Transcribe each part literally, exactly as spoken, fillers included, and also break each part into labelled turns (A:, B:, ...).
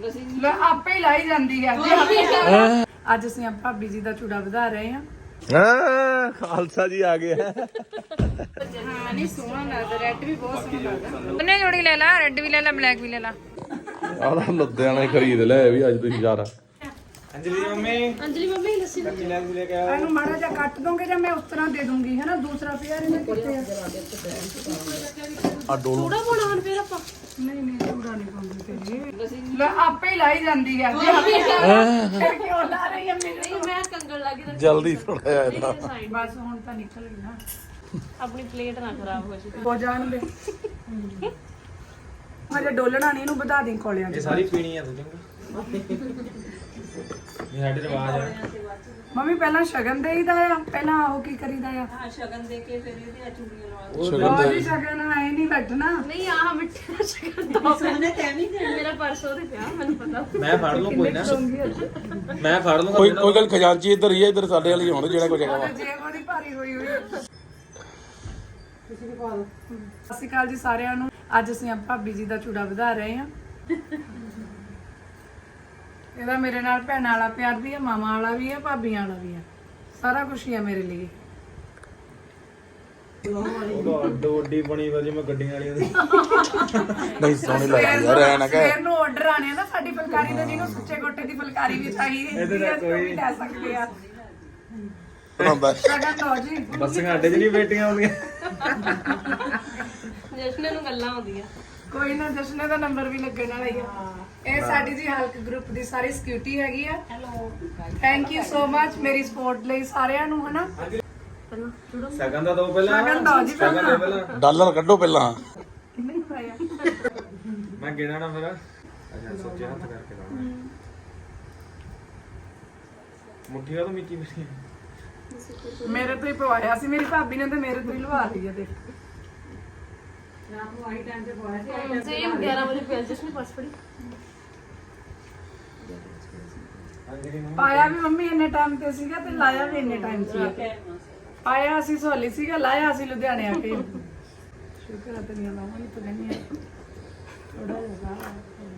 A: ਲੈ ਆਪੇ ਹੀ ਲਾਈ ਜਾਂਦੀ ਹੈ। ਅੱਜ ਅਸੀਂ ਭਾਬੀ ਜੀ ਦਾ ਚੂੜਾ ਵਧਾ ਰਹੇ ਹਾਂ।
B: ਹਾਂ ਖਾਲਸਾ ਜੀ ਆ ਗਏ।
A: ਹਾਂ ਨਹੀਂ ਸੋਹਣਾ ਲੱਗਦਾ, ਰੈੱਡ ਵੀ ਬਹੁਤ ਸੋਹਣਾ ਲੱਗਦਾ।
C: ਉਹਨੇ ਜੋੜੀ ਲੈ ਲਾ, ਰੈੱਡ ਵੀ ਲੈ ਲਾ, ਬਲੈਕ ਵੀ ਲੈ ਲਾ।
B: ਆਹ ਲੁਧਿਆਣੇ ਖਰੀਦ ਲੈ ਵੀ ਅੱਜ ਤੁਸੀਂ ਯਾਰ।
D: अंजलि मम्मी
C: ਅੰਜਲੀ ਮੰਮੀ ਲੱਸੀ
D: कच्ची लैंस लेके आओ।
A: ਇਹਨੂੰ ਮਾੜਾ ਜਿਹਾ ਕੱਟ ਦੋਗੇ ਜਾਂ ਮੈਂ ਉਸ ਤਰ੍ਹਾਂ ਦੇ ਦੂੰਗੀ ਹੈ ਨਾ। ਦੂਸਰਾ ਪਿਆ ਇਹਨੇ ਕਿੱਥੇ ਆ?
B: ਆ ਡੋਲ
C: ਥੋੜਾ ਪਾਉਣਾ ਹੁਣ ਫੇਰ ਆਪਾਂ।
A: ਨਹੀਂ ਨਹੀਂ ਚੂੜਾ ਨਹੀਂ ਪਾਉਂਦੀ ਤੇਰੀ। ਲੈ ਆਪੇ ਹੀ ਲਾਈ ਜਾਂਦੀ ਹੈ। ਫਿਰ ਕਿਉਂ ਲਾ ਰਹੀ ਹੈ ਮੇਰੇ?
C: ਨਹੀਂ ਮੈਂ ਕੰਗਣ ਲੱਗੀ ਤਾਂ
B: ਜਲਦੀ ਥੋੜਾ ਜਿਹਾ ਇਹਦਾ।
A: ਬਸ ਹੁਣ ਤਾਂ ਨਿਕਲ ਗਈ ਨਾ।
C: ਆਪਣੀ ਪਲੇਟ ਨਾ ਖਰਾਬ ਹੋ ਜੇ।
A: ਹੋ ਜਾਣ ਦੇ। ਹਜੇ ਡੋਲਣਾ ਨਹੀਂ, ਇਹਨੂੰ ਵਧਾ ਦੇ ਕੋਲਿਆਂ
D: ये
A: ਚ।
D: सारी पीनी है तुझे। ये साडे रिवाज है।
A: ਮੰਮੀ ਪਹਿਲਾਂ ਸ਼ਗਨ ਦੇਈਦਾ ਆ, ਪਹਿਲਾਂ ਉਹ ਕੀ ਕਰੀਦਾ ਆ?
C: ਹਾਂ ਸ਼ਗਨ ਦੇ ਕੇ ਫਿਰ ਇਹਦੇ ਚੂੜੀਆਂ ਲਵਾ।
A: ਉਹ ਜੀ ਸ਼ਗਨ ਆਏ ਨਹੀਂ ਬੈਠਣਾ।
C: ਨਹੀਂ ਆਹ ਮਿੱਠੇ ਦਾ ਸ਼ਗਨ ਦੋ ਸੋਨੇ ਤੇ ਨਹੀਂ ਤੇ ਮੇਰਾ ਪਰਸੋਂ ਦੇ ਪਿਆ ਮੈਨੂੰ ਪਤਾ।
D: मैं फाड़ लूं कोई ना। मैं फाड़ लूंगा।
B: ਕੋਈ ਕੋਈ ਗੱਲ ਖਜ਼ਾਨਚੀ ਇੱਧਰ ਹੀ ਹੈ, ਇੱਧਰ ਸਾਡੇ ਵਾਲੀ ਹੁਣ ਜਿਹੜਾ ਕੋਈ ਜਗ੍ਹਾ ਵਾ।
A: ਜੇਬ ਉਹਦੀ ਭਾਰੀ ਹੋਈ ਹੋਈ ਹੈ। ਤੁਸੀਂ ਵੀ ਪਾ ਲਓ। ਸਤਿ ਸ਼੍ਰੀ ਅਕਾਲ ਜੀ ਸਾਰਿਆਂ ਨੂੰ। ਅੱਜ ਅਸੀਂ ਆ ਭਾਬੀ ਜੀ ਦਾ ਚੂੜਾ ਵਧਾ ਰਹੇ ਹਾਂ। ਇਹਦਾ ਮੇਰੇ ਨਾਲ ਭੈਣਾਂ ਵਾਲਾ ਪਿਆਰ ਵੀ ਹੈ, ਮਾਮਾ ਵਾਲਾ ਵੀ ਹੈ, ਭਾਬੀਆਂ ਵਾਲਾ ਵੀ ਹੈ। ਸਾਰਾ ਕੁਝ ਹੀ ਹੈ ਮੇਰੇ ਲਈ।
D: डोडी बनी वाली मैं गड्डियां वाली दी।
B: ਨਹੀਂ ਸੋਹਣੀ ਲੱਗਦੀ ਯਾਰ ਐ ਨਾ ਕਹਿ।
A: ਸਵੇਰ ਨੂੰ ਆਰਡਰ ਆਣੇ ਆ ਨਾ ਸਾਡੀ ਫੁਲਕਾਰੀ ਦੇ, ਜਿਹਨੂੰ ਸੁੱਚੇ ਗੋਟੇ ਦੀ ਫੁਲਕਾਰੀ ਵੀ ਚਾਹੀਦੀ ਹੈ, ਅਸੀਂ ਵੀ ਲੈ ਸਕਦੇ ਆ।
B: ਬਣਾਉਂਦਾ
A: ਸ਼ਗਨ ਦੋ ਜੀ।
D: बस घाटे च नहीं बेटियां होंगी।
C: ਜਸ਼ਨ ਨੂੰ ਗੱਲਾਂ ਆਉਂਦੀਆਂ।
A: ਕੋਈ ਨਾ, ਜਸ਼ਨੇ ਦਾ ਨੰਬਰ ਵੀ ਲੱਗਣ ਵਾਲਾ ਹੀ ਆ। ਇਹ ਸਾਡੀ ਜੀ ਹਲਕ ਗਰੁੱਪ ਦੀ ਸਾਰੀ ਸਿਕਿਉਰਿਟੀ ਹੈਗੀ ਆ। Hello thank you so much ਮੇਰੀ ਸਪੋਰਟ ਲਈ ਸਾਰਿਆਂ ਨੂੰ, ਹਨਾ।
D: सगन दा दो पहला।
A: ਸ਼ਗਨ ਦੋ ਜੀ
D: सगन दो
A: ਪਹਿਲਾਂ।
D: पहला।
B: ਡਾਲਰ ਕੱਢੋ ਪਹਿਲਾਂ।
A: ਕਿੰਨੇ ਪਾਇਆ?
D: मैं गिना ना मेरा। अच्छा सच्चे हाथ करके लाना। मुट्ठियां तो मिची मिची।
A: ਮੇਰੇ ਤੋਂ ਹੀ ਪਵਾਇਆ ਸੀ ਮੇਰੀ ਭਾਬੀ ਨੇ, ਤੇ ਮੇਰੇ ਤੋਂ ਹੀ ਲਵਾ ਲਈ ਆ। ਦੇਖ
C: ਸੇਮ ਗਿਆਰਾਂ ਵਜੇ ਪਿਆ ਜਸ਼ਨ ਪਰਸ ਫੜੀ।
D: अंजलि मम्मी
A: ਪਾਇਆ ਵੀ ਮੰਮੀ ਇੰਨੇ ਟਾਈਮ ਤੇ ਸੀਗਾ ਤੇ ਲਾਇਆ ਵੀ ਇੰਨੇ ਟਾਈਮ ਸੀ। ਪਾਇਆ ਅਸੀਂ ਸੋਲੀ ਸੀਗਾ, ਲਾਇਆ ਅਸੀਂ ਲੁਧਿਆਣੇ ਆ ਕੇ। ਸ਼ੁਕਰ ਹੈ ਤੇਰੀਆਂ ਲਾਵਾਂ ਹੀ ਪਗਨੀਆਂ ਥੋੜਾ ਜਿਹਾ।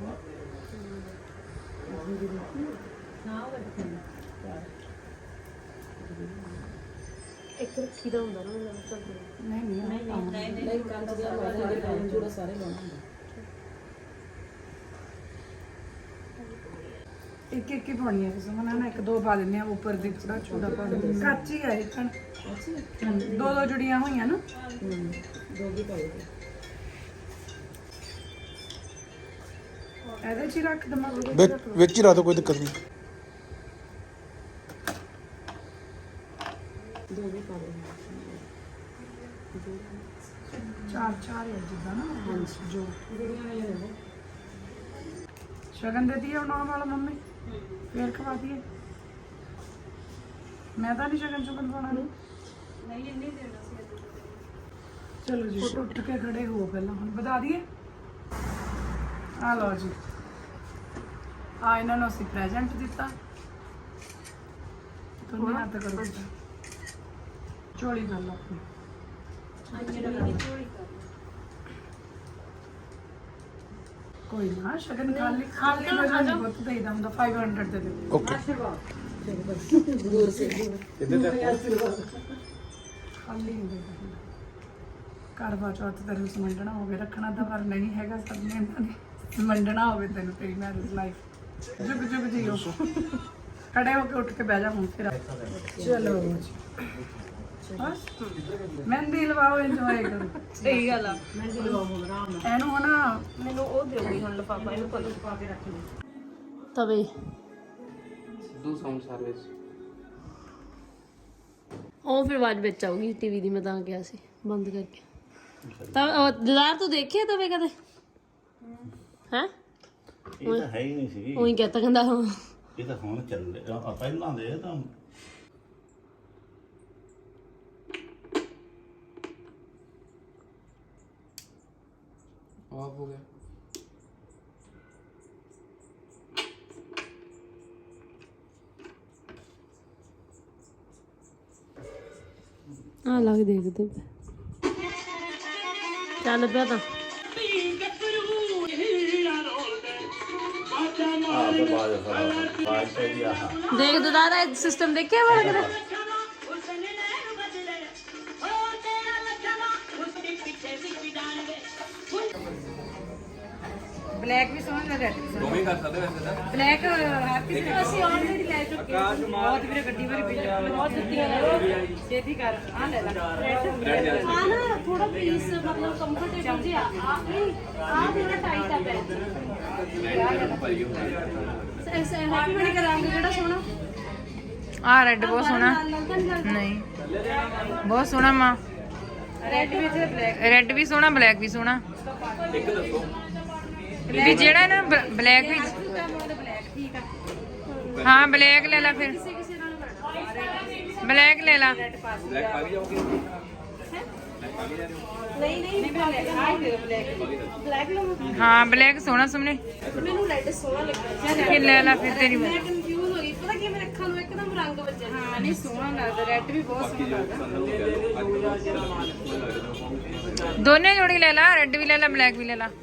C: ਇੱਕ ਰੱਖੀ ਦਾ ਹੁੰਦਾ ਨਾ ਮੈਨੂੰ ਲੱਗਦਾ।
A: ਨਹੀਂ ਨਹੀਂ ਨਹੀਂ ਨਹੀਂ ਕੰਨ ਦੇ ਵਾਲੇ ਜੋੜਾ ਸਾਰੇ ਲਾਉਣਾ ਹੁੰਦਾ। ਇੱਕ ਇੱਕ ਹੀ ਪਾਉਣੀ ਹੈ ਕਿਸੇ ਮਨਾ ਨਾ, ਇੱਕ ਦੋ ਪਾ ਦਿੰਦੇ ਆ ਉੱਪਰ ਦੀ, ਥੋੜਾ ਛੋਟਾ ਪਾ ਦਿੰਦੇ ਆ। ਕੱਚ ਹੀ ਆ ਇਹ ਕਣ। ਦੋ ਦੋ ਜੁੜੀਆਂ ਹੋਈਆਂ ਨਾ। ਦੋ ਵੀ ਪਾਏ ਇਹਦੇ ਚ ਹੀ ਰੱਖ ਦਮਾ।
B: ਵਿੱਚ ਵਿੱਚ ਹੀ ਰੱਖ ਦੋ, ਕੋਈ ਦਿੱਕਤ ਨਹੀਂ।
A: ਚਾਰ ਚਾਰ ਹੈ ਜਿੱਦਾਂ ਨਾ। ਜੋ ਸ਼ਗਨ ਦੇ ਦਿਏ ਉਹਨਾਂ ਵਾਲਾ ਮੰਮੀ, ਫੇਰ ਖਵਾ ਦਈਏ। ਮੈਂ ਤਾਂ ਨਹੀਂ ਸ਼ਗਨ ਸ਼ੁਗਨ ਪਾਉਣਾ। ਨਹੀਂ ਇੰਨੀ ਦੇਣਾ ਸੀ। ਚਲੋ ਜੀ ਉੱਠ ਕੇ ਖੜੇ ਹੋ ਪਹਿਲਾਂ, ਹੁਣ ਵਧਾ ਦਈਏ। ਆ ਲਓ ਜੀ, ਆ ਇਹਨਾਂ ਨੂੰ ਅਸੀਂ ਪ੍ਰੈਜ਼ੈਂਟ ਦਿੱਤਾ। ਤੁਹਾਨੂੰ ਹੱਥ ਕਰੋ ਚੋਲੀ ਕਰ ਲਓ ਆਪਣੀ। ਕੋਈ ਨਾ ਸ਼ਗਨ ਖਾਲੀ ਖਾਲੀ ਵਜਨ ਬਹੁਤ ਦੇਈਦਾ ਹੁੰਦਾ। पाँच सौ ਦੇ ਦੇ।
B: ਓਕੇ
A: ਖਾਲੀ ਨਹੀਂ ਦੇਈਦਾ। ਕਰਵਾ ਚੌਥ ਤੈਨੂੰ ਸਮਝਣਾ ਹੋਵੇ, ਰੱਖਣਾ ਤਾਂ ਪਰ ਨਹੀਂ ਹੈਗਾ। ਸਭ ਨੇ ਇਹਨਾਂ ਨੇ ਸਮਝਣਾ ਹੋਵੇ ਤੈਨੂੰ ਤੇਰੀ ਮੈਰਿਜ ਲਾਈਫ। ਜੁਗ ਜੁਗ ਜੀਓ। ਖੜੇ ਹੋ ਕੇ ਉੱਠ ਕੇ ਬਹਿ ਜਾ ਹੁਣ ਫਿਰ। ਚਲੋ ਜੀ ਬਸ ਮਹਿੰਦੀ ਲਵਾਓ, ਇੰਜੋਏ ਕਰੋ।
C: ਸਹੀ ਗੱਲ ਆ।
A: ਇਹਨੂੰ ਹਨਾ
C: ਮੈਨੂੰ ਉਹ ਦੇਉਗੀ ਹੁਣ ਲਫਾਫਾ, ਇਹਨੂੰ ਕੋਲ ਪਾ ਕੇ ਰੱਖ ਲਈ। ਤਵੇ
D: दो साउंड सर्विस।
C: ਉਹ ਫਿਰ ਆਵਾਜ਼ ਵਿੱਚ ਆਊਗੀ ਟੀਵੀ ਦੀ। ਮੈਂ ਤਾਂ ਕਿਹਾ ਸੀ ਬੰਦ ਕਰਕੇ। ਤਾਂ ਦਿਦਾਰ ਤੂੰ ਦੇਖਿਆ ਤਵੇ ਕਦੇ? ਹੈ
E: ਇਹ ਤਾਂ ਹੈ ਹੀ ਨਹੀਂ ਸੀ।
C: ਉਹੀ ਕਹਤਾ ਕਹਿੰਦਾ ਹਾਂ।
E: ਇਹ ਤਾਂ ਹੁਣ ਚੱਲ ਰਿਹਾ ਪਹਿਲਾਂ ਦੇ ਤਾਂ
D: ऑफ हो गया।
C: ਆ ਲੱਗ ਦੇਖਦੇ ਚੱਲ ਪਿਆ ਤਾਂ।
E: ਬਾਜ ਬਾਜ ਤੇ ਦੀ ਆਹ
C: ਦੇਖ ਦਾਦਾ ਇਹ ਸਿਸਟਮ ਦੇਖਿਆ ਵਾਲਾ ਕਿਤੇ
A: ਬਲੈਕ ਵੀ ਸੋਹਣਾ ਲੱਗ ਰਿਹਾ
D: ਦੋਵੇਂ ਕਰ ਸਕਦੇ ਵੈਸੇ ਤਾਂ
A: ਬਲੈਕ ਹੈਪੀ
C: ਅਸੀਂ ਆਲਰੇਡੀ ਲੈ ਚੁੱਕੇ ਹਾਂ
A: ਬਹੁਤ ਵੀਰੇ ਗੱਡੀ ਵਾਰੀ ਬਿਲ ਬਹੁਤ ਦਿੱਤੀਆਂ ਨੇ ਛੇਤੀ ਕਰ ਆ ਲੈ ਲੈ
C: ਆ ਨਾ ਥੋੜਾ ਪੀਸ ਮਤਲਬ ਕੰਫਰਟੇਬਲ ਜਿਹਾ ਆ ਨਹੀਂ ਆ ਮੇਰਾ ਟਾਈਟ ਆ ਬੈਗ ਐਸੇ ਹੈਪੀ ਬਣੀ ਦਾ ਰੰਗ ਜਿਹੜਾ ਸੋਹਣਾ
A: ਆ ਰੈੱਡ ਬਹੁਤ ਸੋਹਣਾ ਨਹੀਂ ਬਹੁਤ ਸੋਹਣਾ ਮਾਂ ਰੈੱਡ ਵੀ ਤੇ ਬਲੈਕ ਰੈੱਡ ਵੀ ਸੋਹਣਾ ਬਲੈਕ ਵੀ ਸੋਹਣਾ
D: ਇੱਕ ਦੱਸੋ
A: ਵੀ ਜਿਹੜਾ ਨਾ ਬਲੈਕ ਵੀ
C: ਠੀਕ ਆ
A: ਹਾਂ ਬਲੈਕ ਲੈ ਲੈ ਫਿਰ
C: ਕਿਸੇ ਕਿਸੇ ਨਾਲ ਕਰਨਾ
A: ਬਲੈਕ ਲੈ ਲੈ
D: ਬਲੈਕ ਪਾ ਕੇ ਜਾਓਗੇ
C: ਨਹੀਂ ਨਹੀਂ ਬਲੈਕ ਲਵਾਂ
A: ਹਾਂ ਬਲੈਕ ਸੋਹਣਾ ਸੁਮਨੇ
C: ਮੈਨੂੰ ਰੈੱਡ ਸੋਹਣਾ ਲੱਗਦਾ
A: ਕਿ ਲੈ ਲੈ ਫਿਰ ਤੇਰੀ
C: ਮੈਂ ਕਨਫਿਊਜ਼ ਹੋ ਗਈ ਪਤਾ ਕੀ ਮੇਰੇ ਅੱਖਾਂ ਨੂੰ ਇੱਕਦਮ ਰੰਗ ਵੱਜਿਆ
A: ਹਾਂ ਨਹੀਂ ਸੋਹਣਾ ਲੱਗਦਾ ਰੈੱਡ ਵੀ ਬਹੁਤ ਸੋਹਣਾ ਲੱਗਦਾ ਦੋਨੇ ਜੋੜੀ ਲੈ ਲੈ ਰੈੱਡ ਵੀ ਲੈ ਲੈ ਬਲੈਕ ਵੀ ਲੈ ਲੈ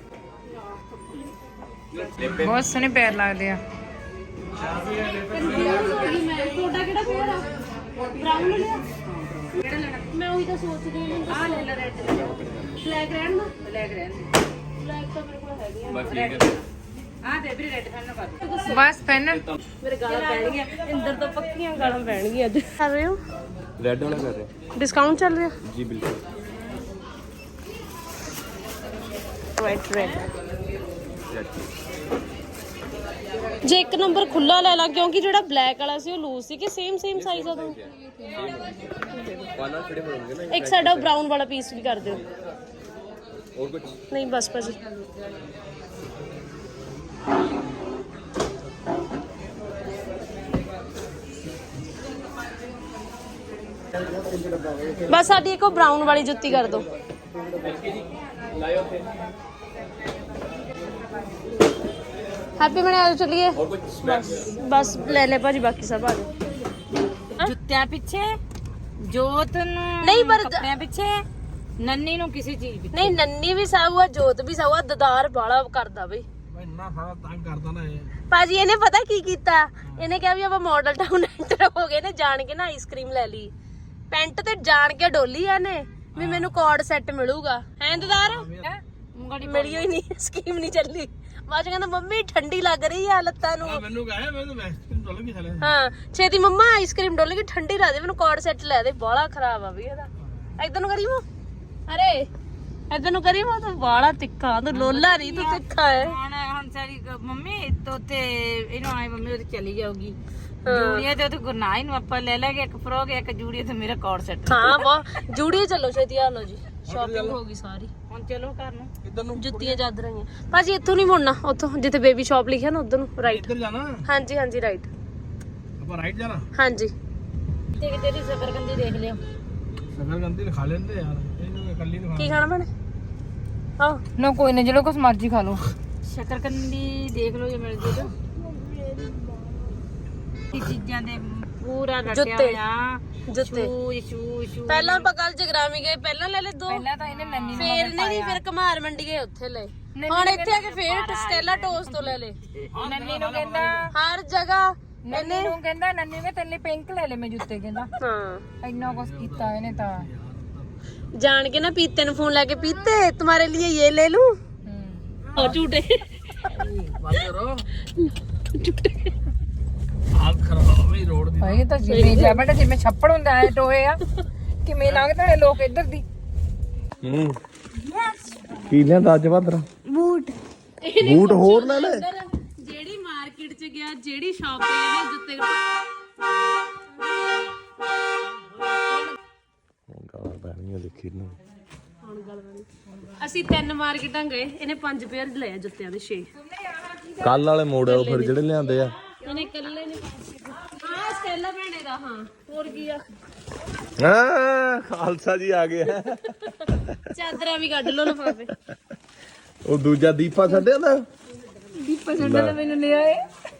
A: ਬਹੁਤ ਸੋਹਣੇ ਪੈਰ ਲੱਗਦੇ ਆ
C: ਕਨਫਿਊਜ਼ ਹੋ ਗਈ ਮੈਂ ਤੁਹਾਡਾ ਕਿਹੜਾ ਫੇਰ ਆ ਬ੍ਰਾਊਨ ਲਿਆ ਕਿਹੜਾ ਲੈਣਾ ਮੈਂ ਉਹੀ ਤਾਂ ਸੋਚਦੀ ਹਾਂ ਆ ਲੈ ਲੈ ਰੈੱਡ ਬਲੈਕ ਰਹਿਣ ਦਾ
A: ਬਲੈਕ ਰਹਿਣ
C: ਬਲੈਕ ਤਾਂ ਮੇਰੇ ਕੋਲ ਹੈਗੀ ਆ
D: ਬਸ ਠੀਕ ਹੈ
A: ਆ ਦੇ ਵੀ ਰੈੱਡ ਫੈਨ ਪਾ ਬਸ ਪੈਨ
C: ਮੇਰੇ ਗਾਲਾਂ ਪੈਣਗੀਆਂ ਇੰਦਰ ਤੋਂ ਪੱਕੀਆਂ ਗਾਲਾਂ ਪੈਣਗੀਆਂ ਅੱਜ ਕਰ ਰਹੇ ਹੋ
B: ਰੈੱਡ ਵਾਲਾ ਕਰ ਰਹੇ
C: ਡਿਸਕਾਊਂਟ ਚੱਲ ਰਿਹਾ
B: ਜੀ ਬਿਲਕੁਲ
C: ਵਾਈਟ ਰੈੱਡ ਜੇ ਇੱਕ ਨੰਬਰ ਖੁੱਲਾ ਲੈ ਲਾਂ ਕਿਉਂਕਿ ਜਿਹੜਾ ਬਲੈਕ ਵਾਲਾ ਸੀ ਉਹ ਲੂਜ਼ ਸੀ ਕਿ ਸੇਮ ਸੇਮ ਸਾਈਜ਼ ਆ ਦੋ
B: ਪਾਣਾ ਖੜੇ ਹੋਣਗੇ ਨਾ
C: ਇੱਕ ਸਾਡਾ ਬ੍ਰਾਊਨ ਵਾਲਾ ਪੀਸ ਵੀ ਕਰ ਦਿਓ
B: ਹੋਰ ਕੁਝ
C: ਨਹੀਂ ਬਸ ਭਾਜੀ ਬਸ ਸਾਡੀ ਇੱਕ ਬ੍ਰਾਊਨ ਵਾਲੀ ਜੁੱਤੀ ਕਰ ਦਿਓ
D: ਲਾਇਓ ਉੱਥੇ
C: ਹੈਪੀ ਬਣੇ ਆ ਚਲਿਏ
D: ਹੋਰ ਕੁਝ
C: ਬਸ ਬਸ ਲੈ ਲੈ ਭਾਜੀ ਬਾਕੀ ਸਭ ਆ ਜਾਓ
A: ਜੁੱਤਿਆਂ ਪਿੱਛੇ ਜੋਤ ਨੂੰ
C: ਨਹੀਂ ਪਰ
A: ਕੱਪੜਿਆਂ ਪਿੱਛੇ ਨੰਨੀ ਨੂੰ ਕਿਸੇ ਚੀਜ਼ ਪਿੱਛੇ
C: ਨਹੀਂ ਨੰਨੀ ਵੀ ਸਾਊ ਆ ਜੋਤ ਵੀ ਸਾਊ ਆ ਦਦਾਰ ਬਾਲਾ ਕਰਦਾ ਬਈ
D: ਇੰਨਾ ਸਾਰਾ ਤੰਗ ਕਰਦਾ ਨਾ ਇਹ
C: ਭਾਜੀ ਇਹਨੇ ਪਤਾ ਕੀ ਕੀਤਾ ਇਹਨੇ ਕਿਹਾ ਵੀ ਆਪਾਂ ਮਾਡਲ ਟਾਊਨ ਐਂਟਰ ਹੋ ਗਏ ਨੇ ਜਾਣ ਕੇ ਨਾ ਆਈਸਕ੍ਰੀਮ ਲੈ ਲਈ ਪੈਂਟ ਤੇ ਜਾਣ ਕੇ ਡੋਲੀ ਇਹਨੇ ਵੀ ਮੈਨੂੰ ਕੋਡ ਸੈੱਟ ਮਿਲੂਗਾ ਹੈ ਦਦਾਰ ਮਿਲੀ ਹੋਈ ਨਹੀਂ ਸਕੀਮ ਨਹੀਂ ਚੱਲੀ ਬਾਅਦ ਚ ਕਹਿੰਦਾ ਮੰਮੀ ਠੰਡੀ ਲੱਗ ਰਹੀ ਆ ਲੱਤਾਂ ਨੂੰ
D: ਮੈਨੂੰ ਕਹੇ ਮੈਨੂੰ ਵੈਸਟਰਨ ਡੁੱਲ ਗਈ ਥਲੇ
C: ਹਾਂ ਛੇਤੀ ਮੰਮਾ ਆਈਸਕ੍ਰੀਮ ਡੋਲ ਗਈ ਠੰਡੀ ਲਾ ਦੇ ਮੈਨੂੰ ਕੋਡ ਸੈੱਟ ਲੈ ਦੇ ਬਾਲਾ ਖਰਾਬ ਆ ਵੀ ਇਹਦਾ ਇਧਰ ਨੂੰ ਕਰੀ ਮੋ ਅਰੇ ਇਧਰ ਨੂੰ ਕਰੀ ਮੋ ਤੂੰ ਬਾਲਾ ਤਿੱਖਾ ਤੂੰ ਲੋਲਾ ਨਹੀਂ ਤੂੰ ਤਿੱਖਾ ਹੈ
A: ਹੁਣ ਹੁਣ ਸਾਰੀ ਮੰਮੀ ਤੋਤੇ ਇਹਨੂੰ ਆਏ ਮੰਮੀ ਉਹਦੀ ਚਲੀ ਜਾਊਗੀ ਜੂੜੀਆਂ ਤੇ ਉਹ ਗੁਰਨਾਈ ਨੂੰ ਆਪਾਂ ਲੈ ਲਾਂਗੇ ਇੱਕ ਫਰੋਕ ਇੱਕ ਜੂੜੀ ਤੇ ਮੇਰਾ ਕੋਡ ਸੈੱਟ
C: ਹਾਂ ਬਹੁਤ ਜੂੜੀ ਚੱਲੋ ਛੇਤੀ ਆ ਲੋ ਜੀ ਸ਼ਾਪਿੰਗ ਹੋ ਗਈ ਸਾਰੀ
A: ਹੁਣ ਚਲੋ ਘਰ ਨੂੰ
D: ਇੱਧਰ ਨੂੰ
C: ਜੁੱਤੀਆਂ ਚਾਦਰਾਂ ਹੀ ਆ ਭਾਜੀ ਇੱਥੋਂ ਨਹੀਂ ਮੁੜਨਾ ਉੱਥੋਂ ਜਿੱਥੇ ਬੇਬੀ ਸ਼ਾਪ ਲਿਖਿਆ ਨਾ ਉਧਰ ਨੂੰ ਰਾਈਟ
D: ਇੱਧਰ ਜਾਣਾ
C: ਹਾਂਜੀ ਹਾਂਜੀ ਰਾਈਟ
D: ਆਪਾਂ ਰਾਈਟ ਜਾਣਾ
C: ਹਾਂਜੀ
A: ਤੇ ਕਿਤੇ ਦੀ ਜ਼ਬਰਗੰਦੀ ਦੇਖ ਲਿਓ
D: ਸਗਰਗੰਦੀ ਖਾ ਲੈਂਦੇ ਯਾਰ ਇਹਨੂੰ ਇਕੱਲੀ ਨੂੰ
C: ਕੀ ਖਾਣਾ ਬਣੇ ਆਹ
A: ਨਾ ਕੋਈ ਨਾ ਜਿਹੜਾ ਕੁਛ ਮਰਜ਼ੀ ਖਾ ਲਓ ਸ਼ਕਰਕੰਦੀ ਦੇਖ ਲਓ ਜੇ ਮਿਲ ਜੇ ਤਾਂ ਇਹ ਚੀਜ਼ਾਂ ਦੇ ਪੂਰਾ ਰੱਟਿਆ
C: ਜੁੱਤੇ।
A: ਹੋਇਆ
C: ਜੁੱਤੇ
A: ਸ਼ੂ ਸ਼ੂ ਸ਼ੂ
C: ਪਹਿਲਾਂ ਆਪਾਂ ਕੱਲ ਜਗਰਾਮੀ ਗਏ ਪਹਿਲਾਂ ਲੈ ਲੈ ਦੋ
A: ਪਹਿਲਾਂ ਤਾਂ ਇਹਨੇ ਨੰਨੀ ਨੂੰ
C: ਫੇਰ ਨਹੀਂ ਫਿਰ ਕਮਾਰ ਮੰਡੀ ਗਏ ਉੱਥੇ ਲੈ ਹੁਣ ਇੱਥੇ ਆ ਕੇ ਫੇਰ ਸਟੈਲਾ ਟੋਸ ਤੋਂ ਲੈ ਲੈ
A: ਨੰਨੀ ਨੂੰ ਕਹਿੰਦਾ
C: ਹਰ ਜਗ੍ਹਾ
A: ਨੰਨੀ ਨੂੰ ਕਹਿੰਦਾ ਨੰਨੀ ਨੇ ਤੇਰੇ ਲਈ ਪਿੰਕ ਲੈ ਲੈ ਮੈਂ ਜੁੱਤੇ ਕਹਿੰਦਾ
C: ਹਾਂ
A: ਇੰਨਾ ਕੁਛ ਕੀਤਾ ਇਹਨੇ ਤਾਂ
C: ਜਾਣ ਕੇ ਨਾ ਪੀਤੇ ਨੂੰ ਫੋਨ ਲਾ ਕੇ ਪੀਤੇ तुम्हारे लिए ये ले लूं और झूठे
D: ਬੰਦ ਕਰੋ ਹਾਲ ਖਰਾਬ ਵੀ ਰੋਡ ਦੀ
A: ਇਹ ਤਾਂ ਜਿਵੇਂ ਜਾ ਬੇਟਾ ਜਿਵੇਂ ਛੱਪੜ ਹੁੰਦਾ ਐ ਟੋਏ ਆ ਕਿਵੇਂ ਲੰਘਦੇ ਨੇ ਲੋਕ ਇੱਧਰ ਦੀ
B: ਹੂੰ ਕੀ ਲਿਆਂਦਾ ਅੱਜ ਬਾਦਰਾ
C: बूट
B: ਬੂਟ ਹੋਰ ਲੈ ਲੈ
C: ਜਿਹੜੀ ਮਾਰਕੀਟ ਚ ਗਿਆ ਜਿਹੜੀ ਸ਼ਾਪ ਤੇ ਇਹਨੇ ਜੁੱਤੇ
B: ਗਾਲਾਂ ਪੈਣੀਆਂ ਦੇਖੀ ਨੂੰ
C: ਹੁਣ ਗੱਲ ਬਣੀ ਅਸੀਂ ਤਿੰਨ ਮਾਰਕੀਟਾਂ ਗਏ ਇਹਨੇ ਪੰਜ ਪੇਅਰ ਲਏ ਆ ਜੁੱਤਿਆਂ ਦੇ ਛੇ
B: ਕੱਲ ਵਾਲੇ ਮੋੜ ਆ ਉਹ ਫਿਰ ਜਿਹੜੇ ਲਿਆਂਦੇ ਆ
C: ਇਹਨੇ ਇਕੱਲੇ ਨੇ ਹਾਂ ਸਟੈਲਾ ਭੈਣੇ ਦਾ ਹਾਂ ਹੋਰ ਕੀ ਆ
B: ਹਾਂ ਖਾਲਸਾ ਜੀ ਆ ਗਏ
C: ਚਾਦਰਾਂ ਵੀ ਕੱਢ ਲਓ ਲਫਾਫੇ
B: ਉਹ ਦੂਜਾ ਦੀਪਾ ਛੱਡਿਆ ਦਾ
A: ਦੀਪਾ ਛੱਡਾ ਤਾਂ ਮੈਨੂੰ ਲੈ ਆਏ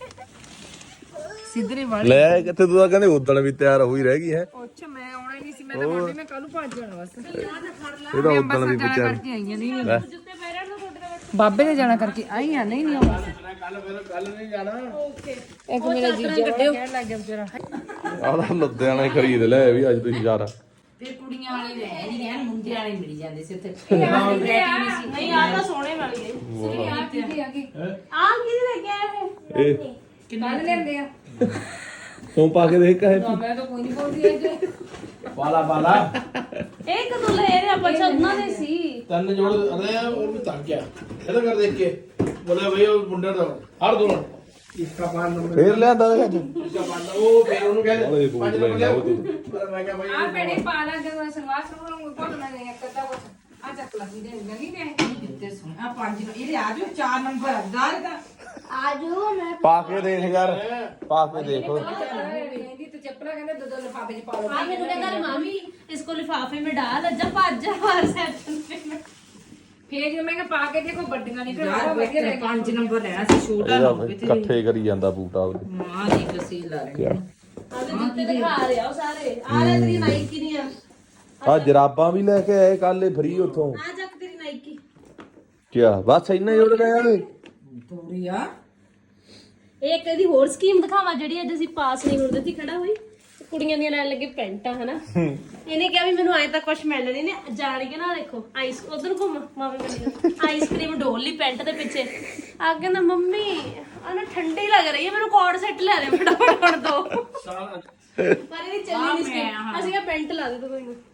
A: ਸਿੱਧਰੇ ਵਾਲੀ
B: ਲੈ ਆਏ ਕਿੱਥੇ ਤੂੰ ਤਾਂ ਕਹਿੰਦੇ ਉਦਣ ਵੀ ਤਿਆਰ ਹੋਈ ਰਹਿ ਗਈ ਹੈ
A: ਅੱਛਾ ਮੈਂ ਆਉਣਾ ਹੀ ਨਹੀਂ ਸੀ ਮੈਂ ਤਾਂ ਮੰਡੀ ਮੈਂ ਕੱਲ ਨੂੰ ਭੱਜ ਜਾਣਾ ਬਸ
B: ਇਹਦਾ ਉਦਣ ਵੀ ਵਿਚਾਰ
A: ਕਰਕੇ ਆਈਆਂ ਨਹੀਂ
B: ਲੈ
C: ਜੁੱਤੇ ਪੈਰਾਂ ਨੂੰ ਤੁਹਾਡੇ ਦਾ
A: ਬਾਬੇ ਨੇ ਜਾਣਾ ਕਰਕੇ ਆਈ ਆ ਨਹੀਂ ਨਹੀਂ ਆਉਣਾ
B: ਕੱਲ ਫਿਰ ਕੱਲ ਨਹੀਂ ਜਾਣਾ
A: ਇੱਕ ਮੇਰਾ ਜੀਜਾ ਕਹਿਣ ਲੱਗ ਗਿਆ ਵਿਚਾਰਾ
B: ਆਦਾ ਲੁਧਿਆਣੇ ਖਰੀਦ ਲੈ ਵੀ ਅੱਜ ਤੁਸੀਂ ਯਾਰ
F: ਫਿਰ ਕੁੜੀਆਂ ਵਾਲੇ ਰਹਿ ਨਹੀਂ ਗਏ ਮੁੰਡੇ ਵਾਲੇ ਮਿਲ ਜਾਂਦੇ ਸੀ ਉੱਥੇ
C: ਨਹੀਂ ਆ ਤਾਂ ਸੋਹਣੇ ਵਾਲੀ ਹੈ
A: ਆ ਕੀ ਆ ਗਈ
C: ਆ ਕੀ ਲੈ ਕੇ ਆਏ
B: ਇਹ
A: ਕਿੰਨਾ ਲੈਂਦੇ ਆ
B: ਤੂੰ ਪਾ ਕੇ ਦੇਖ ਕਹੇ
A: ਮੈਂ ਤਾਂ ਕੋਈ ਨਹੀਂ ਬੋਲਦੀ ਐ
B: ਵਾਲਾ ਵਾਲਾ
C: ਇਹ ਕਦੋਂ ਲੈ ਰਹੇ ਆਪਾਂ ਉਹਨਾਂ ਦੇ ਸੀ
G: ਤਨ ਜੋੜ ਅਰੇ ਉਹ ਵੀ ਤੱਕ ਗਿਆ ਇਹਦਾ ਕਰ ਦੇਖ ਕੇ ਬੋਲੇ ਭਈ ਉਹ ਮੁੰਡਾ ਦਾ ਹਰ ਦੋ ਇਸਕਾ ਪਾਨ ਨੰਬਰ
B: ਫੇਰ ਲਿਆਂਦਾ ਵੇ ਅੱਜ
G: ਇਸਕਾ ਪਾਨ ਉਹ ਫਿਰ ਉਹਨੂੰ
B: ਉਹਦੇ
G: ਕਹਿੰਦੇ
B: ਬੂਟ
G: ਪੰਜ
B: ਲੈ
G: ਨੰਬਰ
B: ਜਾਓ
G: ਲਿਆਓ
B: ਤੂੰ
G: ਮੈਂ ਕਿਹਾ ਭਾਈ
A: ਆ ਪੈਣੇ ਪਾ ਲਾ ਜਦੋਂ ਸਲਵਾਰ ਸਲਵਾਰ ਨੂੰ ਕੋਟ ਨਾ ਨਹੀਂ ਕਰਦਾ ਕੁਛ ਆ ਚੱਕ ਲਾ ਦੇ ਨਹੀਂ ਦੇ
F: ਕਿੱਤੇ ਸੁਣ ਆ ਪੰਜ ਨੂੰ ਇਹਦੇ ਆ ਜੋ ਚਾਰ ਨੰਬਰ ਦਾਰ ਦਾ
B: ਪਾ ਕੇ ਦੇਖ ਯਾਰ ਪਾ ਕੇ ਦੇਖ
A: ਕਹਿੰਦੀ ਤੇ ਚੱਪਲਾਂ ਕਹਿੰਦੇ ਦੋ ਦੋ ਲਿਫਾਫੇ ਚ ਪਾ ਲਓ
C: हाँ मैंने कहा मामी इसको लिफाफे में डाल जा पाँच जा बाहर सेक्शन पे
A: ਫੇਰ ਜਦੋਂ ਮੈਂ ਕਿਹਾ ਪਾ ਕੇ ਦੇਖੋ ਵੱਡੀਆਂ ਨਹੀਂ ਫਿਰ
F: ਯਾਰ
A: ਉਹ ਵਧੀਆ
F: ਬੱਚੇ ਪੰਜ ਨੰਬਰ ਲੈਣਾ ਸੀ ਛੋਟਾ ਨਾ ਹੋਵੇ ਤੇ
B: ਇਕੱਠੇ ਕਰੀ ਜਾਂਦਾ ਬੂਟਾ ਉਹਦੇ
F: ਮਾਂ ਦੀ ਕਸੀ ਲਾ ਰਹੀ
C: आगे जूते दिखा रहे हो सारे आ रहे तेरी नाइकी नहीं है
B: ਆ ਜਰਾਬਾਂ ਵੀ ਲੈ ਕੇ ਆਏ ਕੱਲ ਫ੍ਰੀ ਉੱਥੋਂ
C: आ जा तेरी नाइकी
B: ਕਿਆ ਬਸ ਇੰਨਾ ਹੀ ਉਹਦੇ ਆਏ
F: ਥੋੜੀ ਆ
C: ਇੱਕ ਇਹਦੀ ਹੋਰ ਸਕੀਮ ਦਿਖਾਵਾਂ ਜਿਹੜੀ ਅੱਜ ਅਸੀਂ ਪਾਸ ਨਹੀਂ ਹੁੰਦੇ ਸੀ ਖੜਾ ਹੋਈ ਤੇ ਕੁੜੀਆਂ ਦੀਆਂ ਲੈਣ ਲੱਗੇ ਪੈਂਟਾਂ ਹਨਾ ਇਹਨੇ ਕਿਹਾ ਵੀ ਮੈਨੂੰ ਅਜੇ ਤੱਕ ਕੁਝ ਮਿਲ ਨਹੀਂ ਨੇ ਜਾਣ ਕੇ ਨਾ ਦੇਖੋ ਆਈਸ ਉਧਰ ਘੁੰਮ ਮਾਮੇ ਕੋਲ ਆਈਸਕ੍ਰੀਮ ਡੋਲ ਲਈ ਪੈਂਟ ਦੇ ਪਿੱਛੇ ਆ ਕਹਿੰਦਾ ਮੰਮੀ ਆ ਨਾ ਠੰਡੀ ਲੱਗ ਰਹੀ ਹੈ ਮੈਨੂੰ ਕੋਟ ਸੈੱਟ ਲੈ ਦੇ ਫਟਾਫਟ ਹੁਣ ਦੋ ਪਰ ਇਹਦੀ ਚੱਲੀ ਨਹੀਂ ਸੀ ਅਸੀਂ ਕਿਹਾ ਪੈਂਟ ਲਾ ਦੇ ਤੂੰ ਕੋਈ